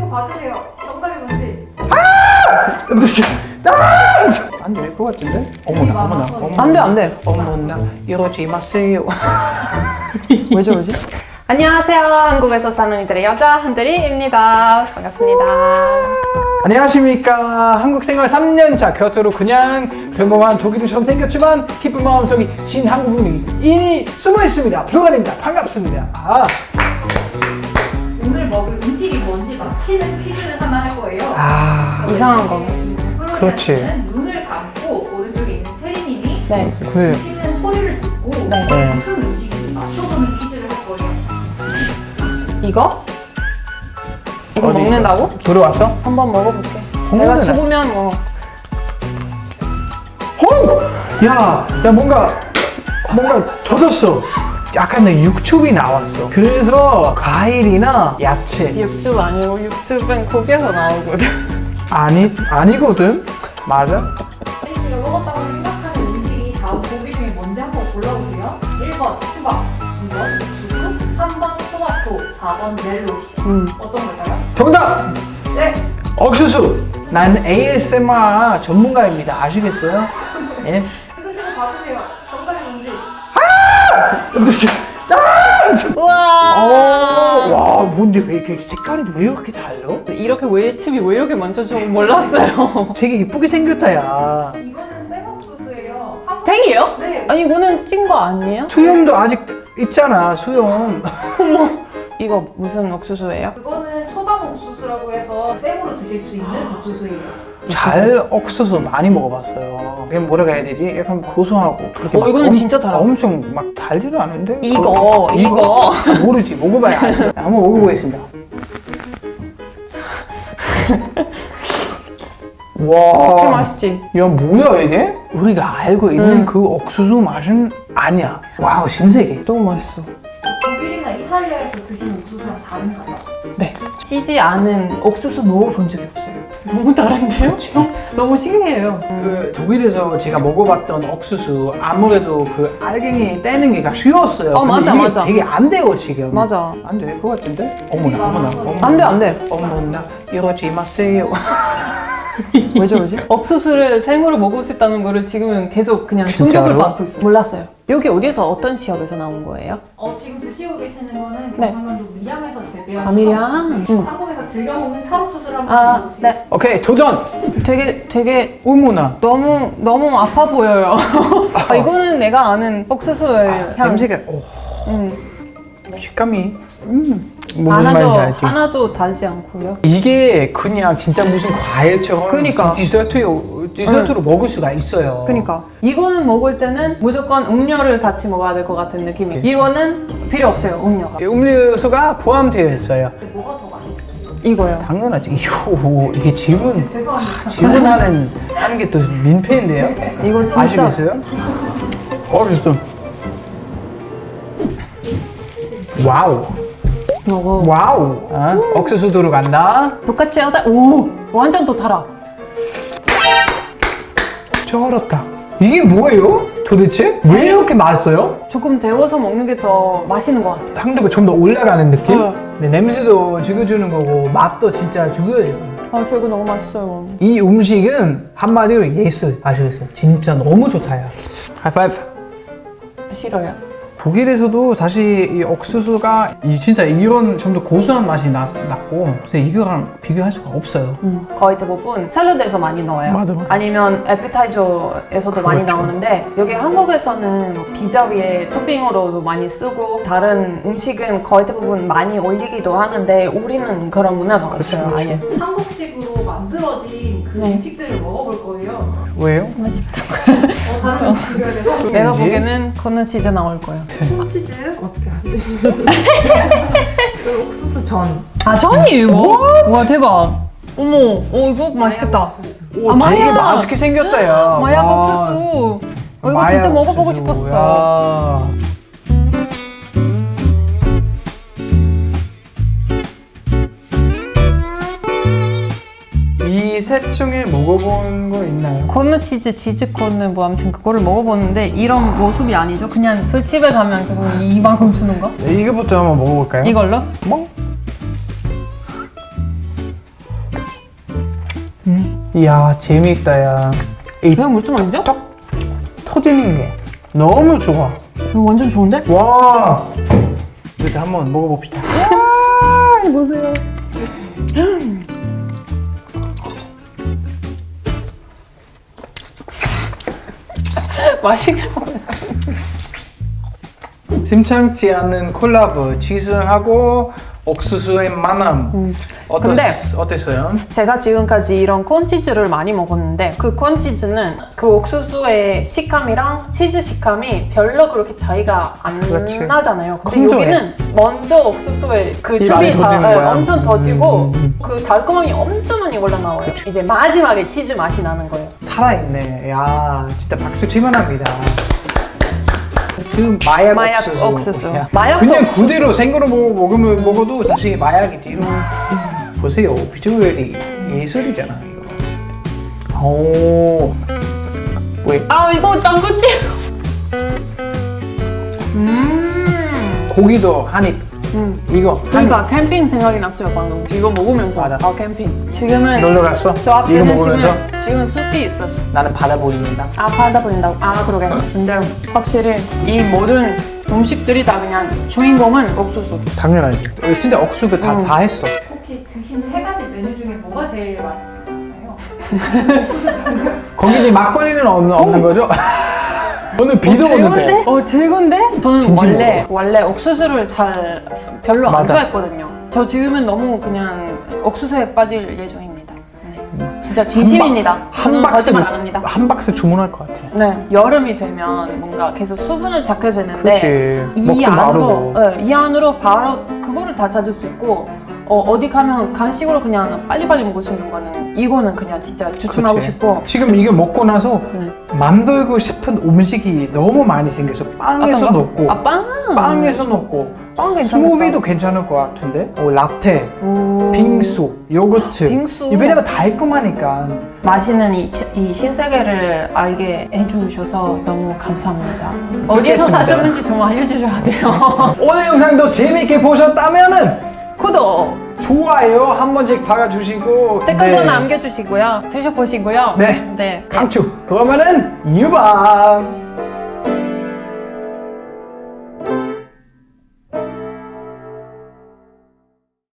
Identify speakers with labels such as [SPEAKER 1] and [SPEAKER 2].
[SPEAKER 1] 이거 봐주세요. 정답이 뭔지.
[SPEAKER 2] 안 될 것 같은데? 어머나 어머나 어머나.
[SPEAKER 3] 안 돼, 안 돼.
[SPEAKER 2] 어머나 이러지 마세요.
[SPEAKER 3] 왜 저러지? 안녕하세요. 한국에서 사는 이들의 여자 한들이입니다. 반갑습니다.
[SPEAKER 2] 안녕하십니까. 한국 생활 3년차 곁으로 그냥 평범한 독일인처럼 생겼지만 기쁜 마음속이 진 한국인이 이니 숨어 있습니다. 불가입니다. 반갑습니다.
[SPEAKER 1] 오늘 먹을 음식이 뭔지 맞히는 퀴즈를 하나 할 거예요.
[SPEAKER 3] 이상한 거.
[SPEAKER 2] 그렇지.
[SPEAKER 1] 눈을 감고 오른쪽에 있는 테리님이
[SPEAKER 3] 네.
[SPEAKER 2] 그래.
[SPEAKER 1] 음식은 소리를 듣고
[SPEAKER 3] 네.
[SPEAKER 1] 무슨 음식인지 맞춰보는 퀴즈를 할 거예요.
[SPEAKER 3] 이거? 이거
[SPEAKER 2] 어디
[SPEAKER 3] 먹는다고?
[SPEAKER 2] 들어왔어?
[SPEAKER 3] 한번 먹어볼게.
[SPEAKER 2] 먹는다.
[SPEAKER 3] 내가 죽으면 뭐.
[SPEAKER 2] 야 뭔가 젖었어. 약간 육즙이 나왔어. 그래서 과일이나 야채.
[SPEAKER 3] 육즙 아니고 육즙은 고기에서 나오거든.
[SPEAKER 2] 아니거든. 맞아?
[SPEAKER 1] 테리 씨가 먹었다고 생각하는 음식이 다음 보기 중에 뭔지 한번 골라보세요. 1번 수박, 2번 두부, 3번 토마토, 4번 멜로. 어떤 걸까요?
[SPEAKER 2] 정답!
[SPEAKER 1] 네.
[SPEAKER 2] 옥수수. 난 ASMR 전문가입니다. 아시겠어요? 예.
[SPEAKER 1] 해주시고 봐주세요. 정답이 뭔지.
[SPEAKER 3] 우와.
[SPEAKER 2] 와, 뭔데 왜 이렇게 색깔이 왜 이렇게 달라?
[SPEAKER 3] 이렇게 외칩이 왜 이렇게 많죠? 저 몰랐어요.
[SPEAKER 2] 되게 이쁘게 생겼다, 야.
[SPEAKER 1] 이거는 생옥수수예요.
[SPEAKER 3] 생이에요?
[SPEAKER 1] 네.
[SPEAKER 3] 아니 이거는 찐 거 아니에요?
[SPEAKER 2] 수염도 아직 있잖아, 수염.
[SPEAKER 3] 이거 무슨 옥수수예요?
[SPEAKER 1] 그거는 초당 옥수수라고 해서 생으로 드실 수 있는 옥수수예요.
[SPEAKER 2] 잘 옥수수 많이 먹어봤어요. 그게 뭐라고 해야 되지? 약간 고소하고. 그렇게 막
[SPEAKER 3] 이거는 진짜 달아.
[SPEAKER 2] 엄청 막 달지도 않은데?
[SPEAKER 3] 이거.
[SPEAKER 2] 모르지. 먹어봐야 알지. 한번 먹어보겠습니다. 와.
[SPEAKER 3] 그 맛있지?
[SPEAKER 2] 야, 뭐야 이게? 우리가 알고 있는 그 옥수수 맛은 아니야. 와우, 신세계.
[SPEAKER 3] 너무 맛있어.
[SPEAKER 1] 독일이나 이탈리아에서 드시는 옥수수랑 다른가요?
[SPEAKER 3] 네. 찌지 않은 옥수수 먹어본 적이 없어요. 너무 다른데요? 너무 신기해요.
[SPEAKER 2] 그 독일에서 제가 먹어봤던 옥수수 아무래도 그 알갱이 떼는 게 쉬웠어요. 근데
[SPEAKER 3] 맞아,
[SPEAKER 2] 이게
[SPEAKER 3] 맞아.
[SPEAKER 2] 되게 안 돼요 지금.
[SPEAKER 3] 맞아.
[SPEAKER 2] 안 될 것 같은데? 어머나 어머나 어머나.
[SPEAKER 3] 안 돼, 안 돼.
[SPEAKER 2] 어머나 이러지 마세요.
[SPEAKER 3] 왜 저러지? 옥수수를 생으로 먹을 수 있다는 거를 지금은 계속 그냥
[SPEAKER 2] 진짜로?
[SPEAKER 3] 충격을 받고 있어요. 몰랐어요. 여기 어디서 어떤 지역에서 나온 거예요?
[SPEAKER 1] 지금 드시고 계시는 거는
[SPEAKER 3] 네.
[SPEAKER 1] 경상남도 밀양에서 재배한
[SPEAKER 3] 밀양?
[SPEAKER 1] 한국에서 즐겨 먹는 찰옥수수를 한번 드셔보세요.
[SPEAKER 3] 네.
[SPEAKER 2] 오케이 도전.
[SPEAKER 3] 되게
[SPEAKER 2] 어머나.
[SPEAKER 3] 너무 아파 보여요. 이거는 내가 아는 옥수수의 향.
[SPEAKER 2] 냄새가 식감이 무슨
[SPEAKER 3] 하나도
[SPEAKER 2] 말인지 알지?
[SPEAKER 3] 하나도 달지 않고요.
[SPEAKER 2] 이게 그냥 진짜 무슨 과일처럼
[SPEAKER 3] 그러니까.
[SPEAKER 2] 디저트로 먹을 수가 있어요.
[SPEAKER 3] 그러니까 이거는 먹을 때는 무조건 음료를 같이 먹어야 될 것 같은 느낌이. 이거는 필요 없어요, 음료가.
[SPEAKER 2] 음료수가 포함되어 있어요.
[SPEAKER 1] 뭐가 더 맛있어요?
[SPEAKER 3] 이거요.
[SPEAKER 2] 당연하지. 이게 지분
[SPEAKER 1] 죄송합니다.
[SPEAKER 2] 지분하는 게 또 민폐인데요.
[SPEAKER 3] 이거 진짜
[SPEAKER 2] 아시겠어요? 맛있어. 와우.
[SPEAKER 3] 먹어.
[SPEAKER 2] 와우. 옥수수 들어간다.
[SPEAKER 3] 똑같이 하자. 오, 완전 또 달아.
[SPEAKER 2] 쩔었다. 이게 뭐예요? 도대체? 왜 이렇게 맛있어요?
[SPEAKER 3] 조금 데워서 먹는 게 더 맛있는 것 같아.
[SPEAKER 2] 당도가 좀 더 올라가는 느낌? 네, 냄새도 죽여주는 거고 맛도 진짜 죽여줘요.
[SPEAKER 3] 저 이거 너무 맛있어요.
[SPEAKER 2] 이 음식은 한마디로 예술. 아시겠어요? 진짜 너무 좋다요. 하이파이브.
[SPEAKER 3] 싫어요.
[SPEAKER 2] 독일에서도 사실 이 옥수수가 진짜 이런 좀 더 고소한 맛이 났고 그래서 이거랑 비교할 수가 없어요.
[SPEAKER 3] 거의 대부분 샐러드에서 많이 넣어요.
[SPEAKER 2] 맞아, 맞아.
[SPEAKER 3] 아니면 에피타이저에서도 많이
[SPEAKER 2] 그렇죠.
[SPEAKER 3] 나오는데 여기 한국에서는 뭐 피자 위에 토핑으로도 많이 쓰고 다른 음식은 거의 대부분 많이 올리기도 하는데 우리는 그런 문화가 없어요.
[SPEAKER 2] 그렇죠.
[SPEAKER 3] 아예.
[SPEAKER 1] 한국식으로 만들어진 그
[SPEAKER 3] 네.
[SPEAKER 1] 음식들을 먹어볼 거예요.
[SPEAKER 2] 왜요?
[SPEAKER 3] 맛있다.
[SPEAKER 1] 다른 음식 드려야 돼서
[SPEAKER 3] 내가
[SPEAKER 2] 왠지?
[SPEAKER 3] 보기에는 그거는 진짜 나올 거예요.
[SPEAKER 1] 치즈 어떻게 안 드시죠? 옥수수 전.
[SPEAKER 3] 전이 이거? 와 대박. 어머, 이거 맛있겠다.
[SPEAKER 2] 오,
[SPEAKER 3] 아,
[SPEAKER 2] 되게
[SPEAKER 3] 마약!
[SPEAKER 2] 맛있게 생겼다 야.
[SPEAKER 3] 마약
[SPEAKER 2] 와.
[SPEAKER 3] 옥수수. 이거
[SPEAKER 2] 마약
[SPEAKER 3] 진짜 먹어보고
[SPEAKER 2] 옥수수.
[SPEAKER 3] 싶었어.
[SPEAKER 2] 야. 이 셋 중에 먹어본 거 있나요?
[SPEAKER 3] 코너 치즈 코너 뭐 아무튼 그거를 먹어봤는데 이런 모습이 아니죠. 그냥 술집에 가면 조금 이만큼 주는 거?
[SPEAKER 2] 네, 이거부터 한번 먹어볼까요?
[SPEAKER 3] 이걸로?
[SPEAKER 2] 뭐? 이야 재미있다 야. 이
[SPEAKER 3] 이거 무슨 말이죠?
[SPEAKER 2] 떡 터지는 게 너무 좋아.
[SPEAKER 3] 이거 완전 좋은데?
[SPEAKER 2] 와. 이제 한번 먹어봅시다. 와 보세요.
[SPEAKER 3] 맛있게.
[SPEAKER 2] 심상치 않은 콜라보 치즈하고 옥수수의 만남.
[SPEAKER 3] 근데
[SPEAKER 2] 어땠어요?
[SPEAKER 3] 제가 지금까지 이런 콘치즈를 많이 먹었는데 그 콘치즈는 그 옥수수의 식감이랑 치즈 식감이 별로 그렇게 차이가 안
[SPEAKER 2] 그렇지.
[SPEAKER 3] 나잖아요. 근데
[SPEAKER 2] 건조해.
[SPEAKER 3] 여기는 먼저 옥수수의 그
[SPEAKER 2] 이 많이
[SPEAKER 3] 즙이
[SPEAKER 2] 터지는 거야.
[SPEAKER 3] 엄청 터지고 그 달콤함이 엄청 많이 올라나와요. 이제 마지막에 치즈 맛이 나는 거예요.
[SPEAKER 2] 살아있네. 야 진짜 박수 치만합니다. 그 마약 옥수수. 야,
[SPEAKER 3] 마약
[SPEAKER 2] 그냥
[SPEAKER 3] 옥수수.
[SPEAKER 2] 그대로 생으로 먹어도 사실 마약이지. 보세요 비주얼이 예술이잖아 이거. 오. 왜?
[SPEAKER 3] 아 이거 짱구찜.
[SPEAKER 2] 고기도 한입. 이거 한입.
[SPEAKER 3] 그러니까 캠핑 생각이 났어요 방금. 이거 먹으면서.
[SPEAKER 2] 맞아.
[SPEAKER 3] 아 캠핑. 지금은
[SPEAKER 2] 놀러 갔어?
[SPEAKER 3] 저
[SPEAKER 2] 이거
[SPEAKER 3] 앞에는
[SPEAKER 2] 먹으면서?
[SPEAKER 3] 지금 숲이 있었어.
[SPEAKER 2] 나는 바다 보입니다.
[SPEAKER 3] 아 바다 보인다고? 아 그러게. 근데 확실히 이 모든 음식들이 다 그냥 주인공은 옥수수.
[SPEAKER 2] 당연하지. 진짜 옥수수 다 했어.
[SPEAKER 1] 혹시 드신 세 가지 메뉴 중에 뭐가 제일 맛있었나요?
[SPEAKER 2] 거기 이제 막걸리는 없는 거죠? 오늘 비도 오는데.
[SPEAKER 3] 즐거운데? 저는
[SPEAKER 2] 진심으로.
[SPEAKER 3] 원래 옥수수를 잘 별로 안
[SPEAKER 2] 맞아.
[SPEAKER 3] 좋아했거든요. 저 지금은 너무 그냥 옥수수에 빠질 예정입니다. 네. 진짜 진심입니다.
[SPEAKER 2] 한
[SPEAKER 3] 저는
[SPEAKER 2] 박스
[SPEAKER 3] 거짓말 안 합니다.
[SPEAKER 2] 한 박스 주문할 것 같아.
[SPEAKER 3] 네, 여름이 되면 뭔가 계속 수분을 잡게 되는데
[SPEAKER 2] 그치. 먹도 마르고.
[SPEAKER 3] 이 안으로 바로 그거를 다 찾을 수 있고 어디 가면 간식으로 그냥 빨리빨리 먹을 수 있는 거는 이거는 그냥 진짜 추천하고
[SPEAKER 2] 그치.
[SPEAKER 3] 싶고.
[SPEAKER 2] 지금 이거 먹고 나서 만들고 싶은 음식이 너무 많이 생겨서 빵에서
[SPEAKER 3] 어떤 거?
[SPEAKER 2] 넣고
[SPEAKER 3] 아 빵!
[SPEAKER 2] 빵에서 넣고
[SPEAKER 3] 빵 괜찮겠다.
[SPEAKER 2] 스무비도 괜찮을 것 같은데 라떼, 빙수, 요거트
[SPEAKER 3] 빙수.
[SPEAKER 2] 왜냐면 달콤하니까.
[SPEAKER 3] 맛있는 이 신세계를 알게 해주셔서 너무 감사합니다. 어디에서
[SPEAKER 2] 그렇겠습니다.
[SPEAKER 3] 사셨는지 정말 알려주셔야 돼요.
[SPEAKER 2] 오늘 영상도 재미있게 보셨다면은
[SPEAKER 3] 구독,
[SPEAKER 2] 좋아요 한 번씩 박아주시고
[SPEAKER 3] 댓글도 남겨주시고요. 드셔보시고요.
[SPEAKER 2] 네.
[SPEAKER 3] 네.
[SPEAKER 2] 강추 그러면은 유방